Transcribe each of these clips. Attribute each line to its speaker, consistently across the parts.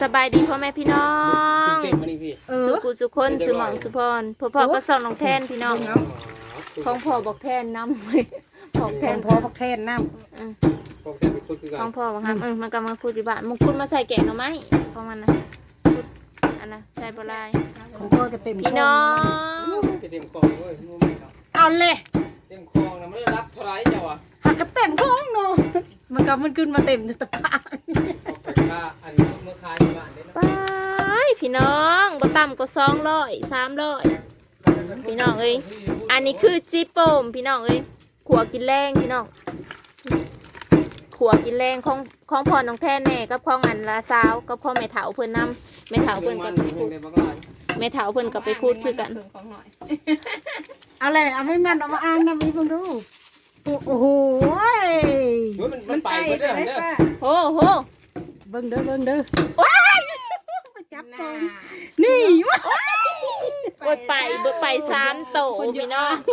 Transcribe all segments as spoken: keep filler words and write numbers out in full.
Speaker 1: สบายดีพ่อแม่พี่น้อง
Speaker 2: เต็มมานี่พี่
Speaker 1: สุกุสุคนสุหมองสุพรพ่อพ่อก็ส่องน้องแทนพี่น้องของพ่อบอกแทนน้ำบอกแทน
Speaker 3: พ่อบอกแทนน้
Speaker 1: ำของพ่อบอกครับเออมันก็มาพูดที่บ้านมึงคุณมาใส่แกงหน่อไม้ของมันนะอันนะใส่ปลาย
Speaker 3: ของพ่อก็เต็ม
Speaker 1: พี่น้อง
Speaker 2: เต็มคลองด้วย
Speaker 3: เอาเลย
Speaker 2: เต็มคลองนะไม่ได้รับเท่าไรเจ้าอ่ะ
Speaker 3: หักก็เต็มท้องเนาะมันก็มันขึ้นมาเต็มตะปา
Speaker 2: ค่าอันนี้เมื่อคายอยู่บ้านได้
Speaker 1: ไปพี่น้องบ่ต่ำก็สองร้อยสามร้อยพี่น้องเอ้ยอันนี้คือจีโปมพี่น้องเอ้ยขัวกินแรงพี่น้องขัวกินแรงของของพ่อน้องแทนแน่กับของอันลาสาวกับพ่อแม่เฒ่าเพิ่นนำแม่เฒ่าเพิ่นกับแม่เฒ่าเพิ่นกับไปคูดคือกัน
Speaker 3: เอาเลยเอาไม่มันเอามาอ่านนะมีเพิ่งดูโอ้โห
Speaker 2: มันไปเด้อเด้อ
Speaker 1: โอ้โห
Speaker 3: เบิ่งเด้อเบิ่งเด้อ
Speaker 1: ว้าย
Speaker 3: ไปจับก่อนนี่ว้
Speaker 1: ายไปเบิ่ไปสามโตพี่น้อง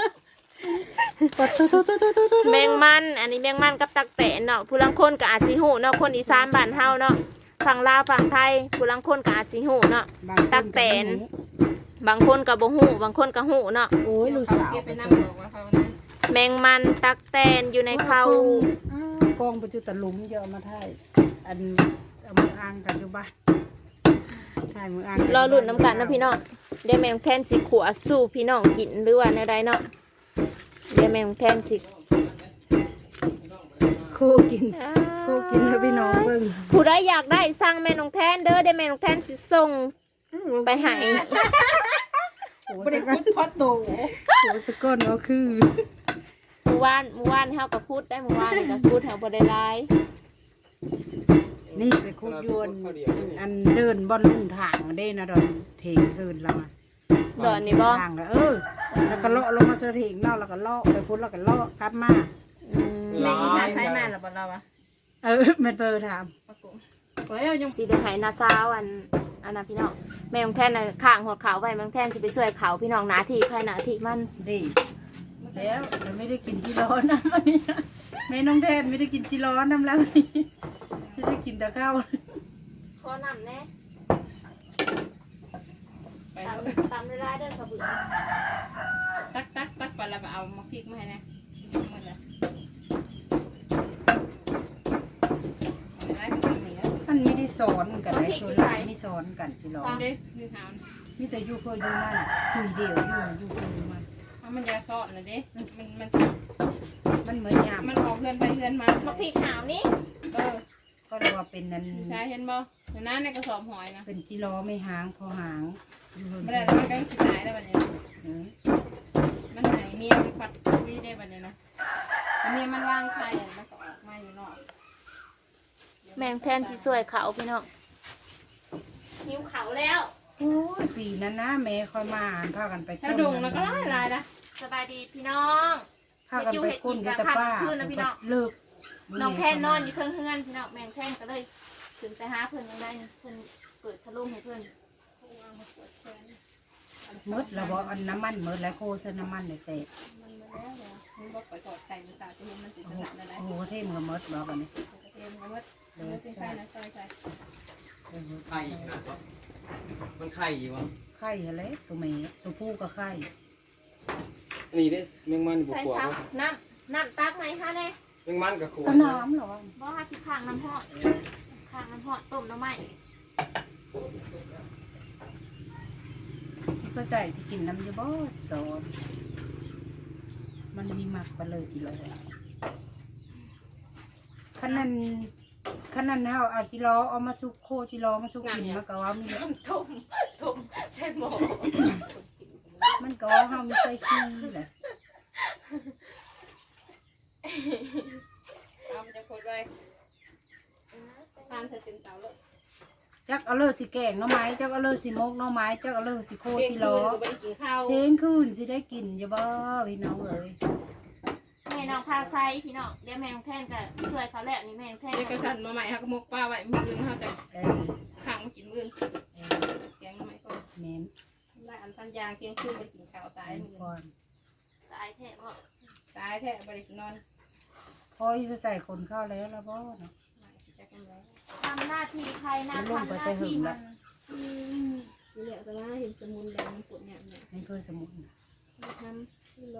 Speaker 1: แมงมันอันนี้แมงมันกับตักแตนเนาะผู้ลังคนกับอาชิหูเนาะคนอีสานบ้านเฮาเนาะฝั่งลาวฝั่งไทยผู้ลังคนกับอาชิหูเนาะตักแตนบางคนกับบ่หูบางคนกับหูเนาะ
Speaker 3: โอ้ยลูกสาว
Speaker 1: แมงมันตักแตนอยู่ในเขา
Speaker 3: กองประจุตะลุมเยอะมาไทยอันเอามืออ่างกันอยู่บ้านถ่ายมืออ่าง
Speaker 1: รอรุ่นน้ำกันนะพี่น้องเดี๋ยวแมงแทนสิขัวสู้พี่น้องกินหรือว่าในใดเนาะเดี๋ยวแมงแทนสิ
Speaker 3: คู่กินคู่กินแล้วพี่น้องเบิ่ง
Speaker 1: ผู้ใดอยากได้สั่งแม่น้องแทนเด้อเดี๋ยวแม่น้องแทนสิส่งไปให้
Speaker 3: บริคุดพอโตโหสกอนก็คือ
Speaker 1: เมื่อวานเมื่อวานเฮาก็พูดได้เมื่อวานนี่ก็พูดเฮาบ่ได้หลาย
Speaker 3: นี่ไปคุดยวนอันเดินบอลลุ่งทางเด้นะดอนเถงเดินเราอ่ะ
Speaker 1: ดอนนี่บ่
Speaker 3: ทางเออแล้วก็เลาะลงมาเสถียงเนาะแล้วก็เลาะไปพุทธแล้วก็เลาะกลับมา
Speaker 1: แม่อีหาใช้แม่ล่ะบ่เราอ่ะ
Speaker 3: เออแม่เปิดถาม
Speaker 1: แล้วยังสิได้ให้นาซาวอันอันน่ะพี่น้องแม่ของแท่นน่ะข้างหัวเขาไว้แม่ของแท่นสิไปช่วยเขาพี่น้องหน้าที่ใครหน้าที่มัน
Speaker 3: ดีแล้วเราไม่ได้กินจีร้อนน้ำมันนี่แม่น้องแทนไม่ได้กินจีร้อนน้ำแล้วนี่จะได้กินแต่ข้าว
Speaker 1: ขอน้ำแน่ตามตามเวลาเดินขบวน
Speaker 4: ตักตักตักไปแล้วก็เอามาพริกมาให้นะหมดเลย
Speaker 3: มันไม่ได้สอนกันได้ส่วนใหญ่ไม่สอนกันจีร้อนนี่แต่ยูเคยยูมันคุยเดียวยูยูเคยยูมัน
Speaker 4: มันยาซอสนะเด้มันมัน
Speaker 3: มันเหมือนยา
Speaker 4: มันออกเพื่อนไปเพื่อนมา
Speaker 1: มาพริกขาวนี่
Speaker 4: เออ
Speaker 3: ก็เรียกว่าเป็นนั้น
Speaker 4: ใช่เห็นบ่เห็นน้าในกระสอบหอยนะ
Speaker 3: เป็นจีร้อไม่หางพอหาง
Speaker 4: ไม่ได้มันก็สิตายแล้วบัดนี้มันไหนเมียมันปัดวิ่งได้บัดนี้นะเมียมันวางไข่มันก็ออกมาอยู่นอก
Speaker 1: แมงแทนที่สวยเขาพี่น้องหิวเขาแล้ว
Speaker 3: โอ้ยปีนั้นนะแม่คอยมาพากันไป
Speaker 4: ถ้าดุงแล้วก็ไล่ไล่ละ
Speaker 1: สบายดีพี่น้อง
Speaker 3: พากันไปคุ้นกับป้าเลิก
Speaker 1: น้องแทนนอนอยู่เพื่อนเพื่อนพี่น้องแมงแทนก็เลยถึงไปหาเพื่อนยังได้เพื่อนเปิดทะลุให้เพื่อน
Speaker 3: มืดแล้วบอกอันน้ำมันมืดแล้วโคเส้นน้ำมันในเศษ
Speaker 4: มันบอกไปถอดไข่มาสาจะมันติดสนับอะไร
Speaker 3: โอ้เท่มือมืดบอกกันนี่
Speaker 4: เท่มือมืดมืดเป็นไข่นะใช่ใช่
Speaker 2: ไข่นะมันไข่อยู่วะ
Speaker 3: ไข่อะไรตัวเมย์ตัวผู้ก็ไข่
Speaker 2: อันนี้ได้แมงมันบุกขวด
Speaker 1: น้ำน้ำตักไหมคะเนี่ย
Speaker 2: แมงมันกับขวด
Speaker 3: น้ำหรอ
Speaker 1: บ่ห้าสิบข้างน้ำหอดข้างน้ำหอดต้มน้ำไหม
Speaker 3: ก็ใจสิกินน้ำยาบ่ตอนมันมีหมักไปเลยจีเลยขนาดขนาดเฮาเอาจิโร่เอามาสุกโคจิโร่มาสุกกินมันก็ว่ามี
Speaker 1: ต้มต้มใช่หมอ
Speaker 3: มันก็เฮามีใส่ขี้แหละ
Speaker 4: เอามันจะโคตรไว้ทานเธอถึงเตาเลย
Speaker 3: จักเอาเลยสิแกงน้ำไม้จักเอาเลยสิมกน้ำไม้จักเอาเลยสิโคจิโร่เทงคืนสิได้กินจะบ่พี่น้องเอ้ย
Speaker 1: แม่น้องพาไซพี่น้องเดี๋ยวแม่น้องแทนก็ช่วยเขาแล้วนี่แม่น้องแทน
Speaker 4: เด็กกระสันมาใหม่ฮักมกป้าไว้มืออื่นเขาจะขังมากินมือแกงน้ำไม้ก่อน
Speaker 3: เน้น
Speaker 4: ได้อันตันยางเคียงคืนไปกินข้าวตายมือก่อน
Speaker 1: ตายแท้บ่
Speaker 4: ตายแท้บริกินนอน
Speaker 3: พอจะใส่คนเข้าแล้วแล้วบ่เนาะ
Speaker 4: จ
Speaker 1: ทำหน้าที่ใครนะทำหน้าที่มัน
Speaker 4: นี่แหละแต่ว่าเห็นสมุนแดงฝนเนี่ยเนี่ย
Speaker 3: นี่คือสมุน
Speaker 4: ทำเลย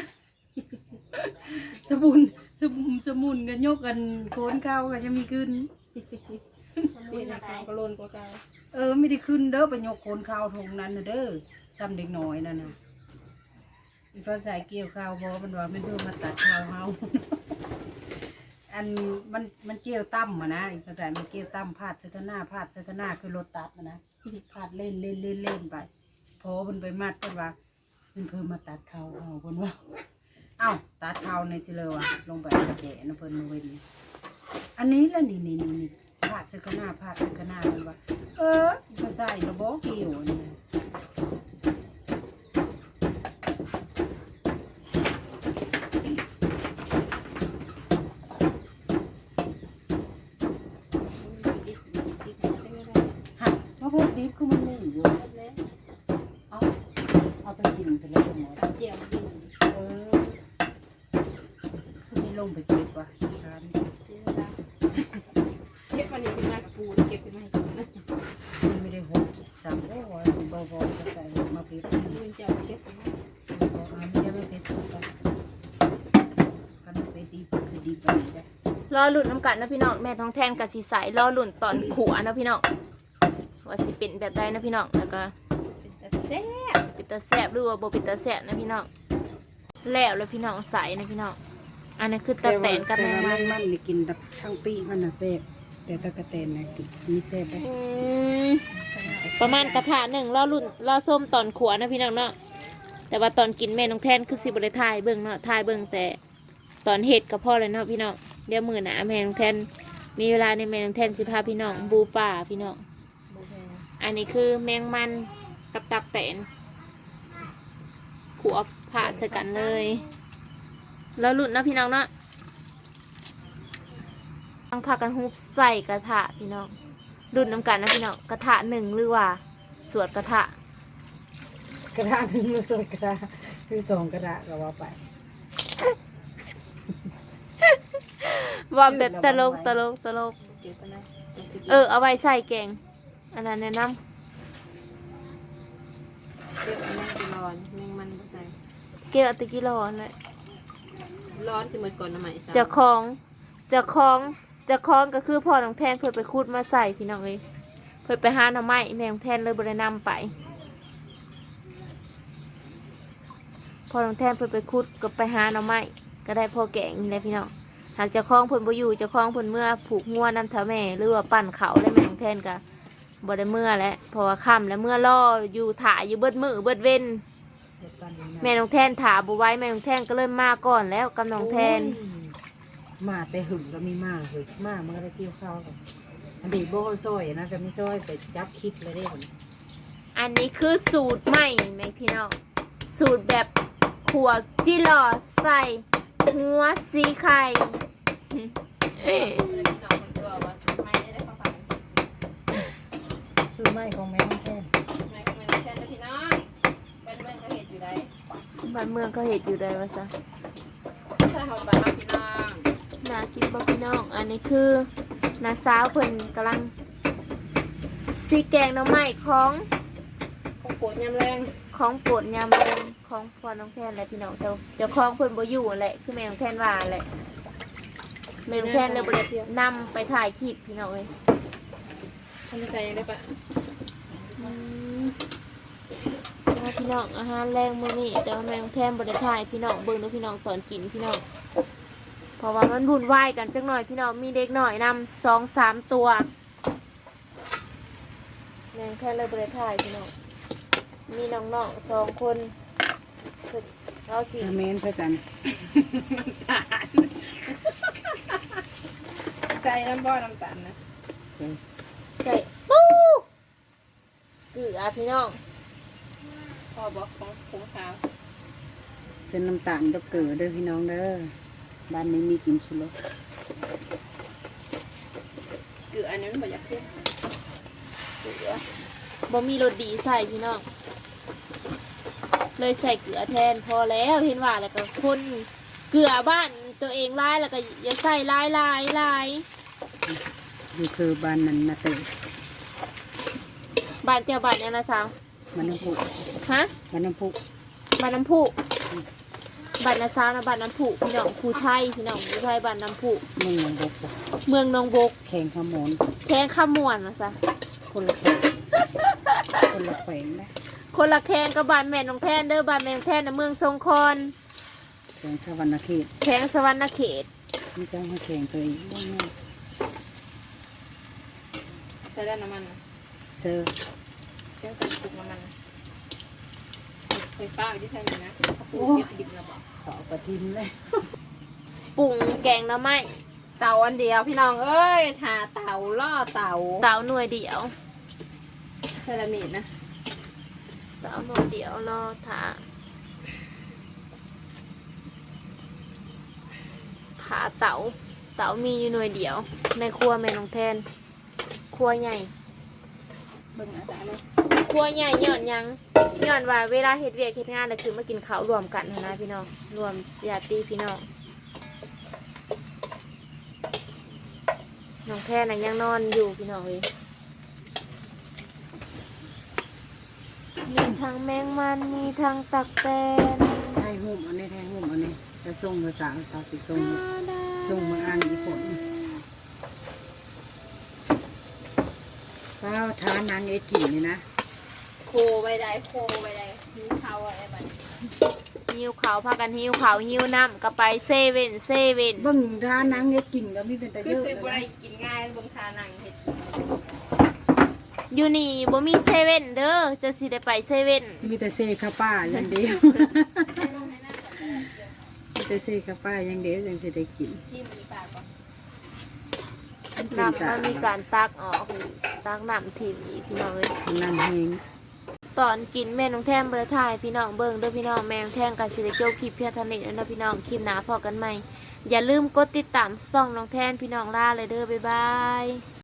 Speaker 3: สมุนสมุนสมุนกันยกกันโคนเข้ากันจะมีขึ้น
Speaker 1: สมุ
Speaker 4: เห็
Speaker 1: น
Speaker 4: น
Speaker 1: อะไร
Speaker 4: กาวกระโลนกว่าเก่า
Speaker 3: เออไม่ได้ขึ้นเด้อไปยกโคนข้าวทงนั้นน่ะเด้อซ้ำเด็กน้อยนั่นน่ะอีฟ้าใส่เกี่ยวข้าวบ่มันว่ามันเพิ่มมาตัดข้าวเฮา อันมันมันเกี่ยวตั้มอะนะอีฟ้าใส่มันเกี่ยวตั้มพาดเสกหน้าพาดเสกหน้าคือรถตัดอะนะพาดเล่นเล่นเล่นเล่นไปพอมันไปมัดกันว่ามันเพิ่มมาตัดข้าวเฮาเพิ่นว่าเอ้าตัดข้าวในสิเลยว่ะลงไปกระแดะนะเพิ่นเว้นอันนี้ละนี่นี่นี่พาดเสกหน้าพาดเสกหน้ามันว่าเออมาใส่ระบอกเกี่ยวนี่นะ หักมะพร้าวดิบคือมันไม่อยู่เอาเอาไปกินไปแล้วหมด
Speaker 4: เจียวกิน
Speaker 3: เออคือไม่ลงไปเก็บว่ะช้าน
Speaker 4: ซื้อได้เก็บมันนี่เป็นมากับปูเก็บเป็นมาให้กินนะ
Speaker 3: มันไม่ได้หดสามโอ้ว่าสิบอบอจะใส่มาเพ็ด
Speaker 4: มือเจ้าเก็บเป็นมา
Speaker 3: บอกอ่านเดี๋ยวไม่เพ็ดสุดกันกันไปดีคือดีไปได้
Speaker 1: รอหลุดน้ำกัดนะพี่น้องแม่ท้องแทนกับสีใสรอหลุดตอนขัวนะพี่น้องว่าสิเป็นแบบใดนะพี่น้องแล้วก็
Speaker 4: เป็นแต่แซ่บ
Speaker 1: ปิดตาแสบหรือว่าโบปิดตาแสบนะพี่น้องแล้วแล้วพี่น้องใสนะพี่น้องอันนี้คือตะแตนกับแมงมัน
Speaker 3: มันนี่กินแบบทั้งปีมันน่ะแซ่บแต่ตะกะแตนน่ะกินมีแซ่บได้
Speaker 1: อืมประมาณกระถาหนึ่งรอหลุดรอส้มตอนขัวนะพี่น้องเนาะแต่ว่าตอนกินแม่น้องแทนคือสิบได้ทายเบิ่งเนาะทายเบิ่งแต่ตอนเห็ดกับพ่อเลยเนาะพี่น้องเดี๋ยวมือหนาแม่น้องแทนมีเวลาในแม่น้องแทนสิพาพี่น้องบูป่าพี่น้อง อันนี้คือแมงมันกับตับแตนขัวผ่าใส่กันเลย แล้วหลุดนะพี่น้องเนาะต้องพากันฮุบใส่กระทะพี่น้องดุดน้ำกันนะพี่น้องกระทะหนึ่งหรือว่าสวดกระทะ
Speaker 3: กระดาษหนึ่งมาสดกระดาษคือสองกระดาษก็ว่าไป
Speaker 1: ว่าแบบตลกตลกตลก
Speaker 4: เก็บไปนะ
Speaker 1: เออเอาไว้ใส่แกงอันนั้นแนะน
Speaker 4: เก็บมันจะร้อนแมงมันบ่ใส่
Speaker 1: ำเกลือตะกี้ร้อนเลย
Speaker 4: ร้อนสิหมดก่อนนะไหมสาว
Speaker 1: จะคล้องจะคล้องจะคล้องก็คือพ่อน้องแทนเพื่อไปคูดมาใส่พี่น้องเลยเพื่อไปหาหน่อไม้แม่น้องแทนเลยบรินำไปพ่อน้องแทนเพื่อไปคูดก็ไปหาหน่อไม้ก็ได้พ่อแกงนี่แหละพี่น้องหากจะคล้องเพิ่นบ่อยู่จะคล้องเพิ่นเมื่อผูกงัวน้ำเท้าแม่หรือว่าปั่นเขาแล้วแม่น้องแทนก็บ่ได้เมื่อแล้วเพราะว่าค่ำแล้วเมื่อล่ออยู่ถ่ายอยู่เบิดมือเบิดเว้นแม่น้องแทนถาบ่ไหว้แม่น้องแทนก็เริ่มมาก่อนแล้วกับน้องแทน
Speaker 3: มาแต่หึงก็มีมาหึงมามันก็ได้เกี่ยวข้าวกันอันนี้โบ้ซอยนะก็ไม่ซอยไปจับคิดเลยได้ผล
Speaker 1: อันนี้คือสูตรใหม่ไหมพี่น้องสูตรแบบขัวจิหล่อใส่หัวสีไข่
Speaker 3: ซื้อไม้ของแม่น้องแท่น
Speaker 4: แม่ก็ไม่ได้แค่นะพี่น้องเป็นเมืองเขาเห็ดอยู่ได้
Speaker 1: บ้านเมืองก็เห็ดอยู่ได้วะซะ
Speaker 4: ถ้าเขาบ้านพี่น้อง
Speaker 1: นากินบ่พี่น้อง อันนี้คือนาสาวเพิ่นกำลังสีแกงหน้ำไม้ของ
Speaker 4: คงปวดยำแรง
Speaker 1: ของโปรดยามเย็นของพ่อน้องแทนแหละพี่น้องเจ้าเจ้าของเพิ่นบ่อยู่แหละคือแม่น้องแทนว่าแหละแม่น้องแทนเลยบ่ได้นำไปถ่ายคลิปพี่น้องเอ้ย
Speaker 4: ทำใจยังได้ปะ
Speaker 1: อืมแล้วพี่น้องอาหารแรงมื้อนี้แต่ว่าแม่น้องแทนบ่ได้ถ่ายพี่น้องเบิ่งเด้อพี่น้องสอนกินพี่น้องเพราะว่ามันวุ่นวายกันจักหน่อยพี่น้องมีเด็กหน่อยนำสองสามตัวแม่น้องแทนเลยบ่ได้ถ่ายพี่น้องมีน้องๆสองคนเราสิ
Speaker 3: เมนพระจันทร์
Speaker 4: ใส่น้ำบ่อน้ำตาลนะ
Speaker 1: ใส่ปูเกลือพี่น้อง
Speaker 4: พอบอกของผงขาว
Speaker 3: เส้นน้ำตาลดอกเกลือเด้อพี่น้องเด้อบ้านนี้มีกินสุรส
Speaker 4: เกลืออันนี้มันบ่อยากเพิ่ม
Speaker 1: เกลือบ่มีรสดีใส่พี่น้องเลยใส่เกลือแทนพอแล้วเห็นว่าแล้วก็คนเกลือบ้านตัวเองร้ายแล้วก็อย่าใส่ร้ายร้ายร้าย
Speaker 3: อยู่คือบ้านนั้นนาเตย
Speaker 1: บ้านเจ้าบ้านยังนะสาว
Speaker 3: บ้านน้ำพุ
Speaker 1: ฮะ
Speaker 3: บ้านน้ำพุ
Speaker 1: บ้านน้ำพุบ้านนาซาวนะบ้านน้ำพุพี่น้องภูไทยพี่น้องภูไทยบ้านน้ำพุ
Speaker 3: เมืองหนองบก
Speaker 1: เมืองหนองบก
Speaker 3: แข่งขมอน
Speaker 1: แข้งข้ามวนนะซะ
Speaker 3: คนละแขวงคนละแขวงนะ
Speaker 1: คนละแข้งกับบ้านแม่น้องแทนเด้อบ้านแม่น้องแทนนะเมืองทรงคอน
Speaker 3: แขวงสวรรณเขต
Speaker 1: แข้งสวรรณเขต
Speaker 3: นี่จะให้แข่งตัวเองบ้างไง
Speaker 4: ใช้ได้น้ำมันนะ
Speaker 3: เจอ
Speaker 4: เจ้าตัวปลูกน้ำมันนะไฟฟ้าอยู่ที่ไทยเลยนะเขาปลูกเก็บดิบระบอก
Speaker 3: ขอประทิมเลย
Speaker 1: ปรุงแกงหน้ำไม้
Speaker 4: เต่าอันเดียวพี่น้องเอ้ยทาเต่าล่อเต่า
Speaker 1: เตาหน่วยเดียว
Speaker 4: เซรามิกนะ
Speaker 1: เตาหน่วยเดียวรอถาผาเตาเตามีอยู่หน่วยเดียว ในครัวแม่น้องแทนครัวใหญ่
Speaker 4: เบิ่งอาจารย์เลย
Speaker 1: ครัวใหญ่ย้อนหยังย้อนว่าเวลาเฮ็ดเวียกเฮ็ดงานน่ะคือมากินข้าวรวมกันหั้นนะพี่น้องรวมญาติพี่น้องน้องแพนน่ะยังนอนอยู่พี่น้องเอ้ยมีทั้งแมงมันมีทั้งตักแตน
Speaker 3: ไทยหุ่มอันนี้ไทยหุ่มอันนี้จะส่งภาษาภาษาสิส่งส่งมาอ่านอีกคนก็ทานนางเอจินี่นะ
Speaker 4: โคใบใดโคใบใดหิวเขาอะไรแบบนี้
Speaker 1: หิวเขาวพากันหิวเขาวหิวน้ำก็ไปเซเว่นเซเว่น
Speaker 3: เบิ่งทานนางเอจิก็มีเป็นแต่
Speaker 4: คื
Speaker 3: เย
Speaker 4: อ
Speaker 3: อะ
Speaker 4: ซื้อ
Speaker 3: เล
Speaker 4: บ่ได้
Speaker 3: ย
Speaker 4: กินง่ายเบิ่งทานังเห็ด
Speaker 1: อยู่นี่บ่มีเซเว่นเด้อจะสิได้ไปเซเว่น
Speaker 3: มีแต่เซคาป้าอย่างเดียวมีแต่เซคาป้าอย่างเดียวยังจะได้กิน
Speaker 4: ที่มีปากก่อน
Speaker 1: น้ำมันมีการตักออกตักน้ำถิ่มอีกพี่น้องเอ้ย
Speaker 3: น้ำแห้ง
Speaker 1: ตอนกินแม่น้องแท่งบริทายพี่น้องเบิ่งเด้อพี่น้องแม่น้องแท่งกันสิได้จบคลิปเพียงเท่านี้แล้วนะพี่น้องคลิปหน้าพอกันใหม่อย่าลืมกดติดตามช่องน้องแท่นพี่น้องล่าเลยเด้อบ๊ายบาย